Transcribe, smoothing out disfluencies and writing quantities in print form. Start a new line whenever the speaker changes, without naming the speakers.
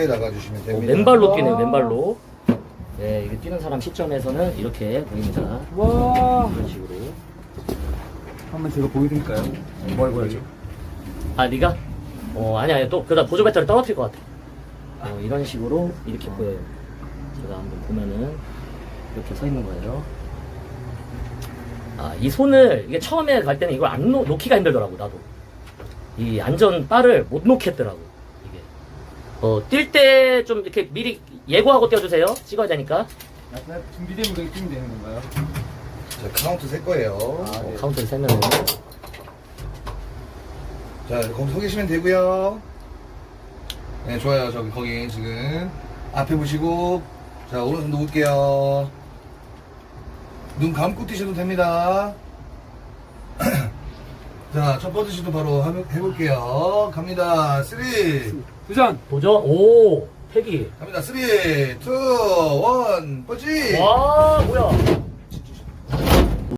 편하게 나가주시면 됩니다.
맨발로 뛰네, 맨발로. 네, 이거 뛰는 사람 시점에서는 이렇게 보입니다.
와.
이런 식으로.
한번 제가 보여드릴까요? 뭘 보여줘?
아, 네가? 아니야. 또 그러다 보조 배터리 떨어뜨릴 것 같아. 이런 식으로 이렇게 보여요. 제가 한번 보면은 이렇게 서 있는 거예요. 아, 이 손을 이게 처음에 갈 때는 이걸 안 놓기가 힘들더라고, 나도. 이 안전 바를 못 놓겠더라고, 이게. 뛸 때 좀 이렇게 미리 예고하고 뛰어주세요. 찍어야 되니까.
준비되면 그렇게 뛰면 되는 건가요?
자, 카운트 셀 거예요.
네.
카운트를 세면은.
자, 거기 서 계시면 되고요. 네, 좋아요. 거기 지금 앞에 보시고, 자, 오른손 놓을게요. 눈 감고 뛰셔도 됩니다. 자, 첫 번째 시도 바로 해볼게요. 갑니다. 3,
도전!
도전. 오, 패기.
갑니다. 3, 2, 1, 펀치!
와, 뭐야.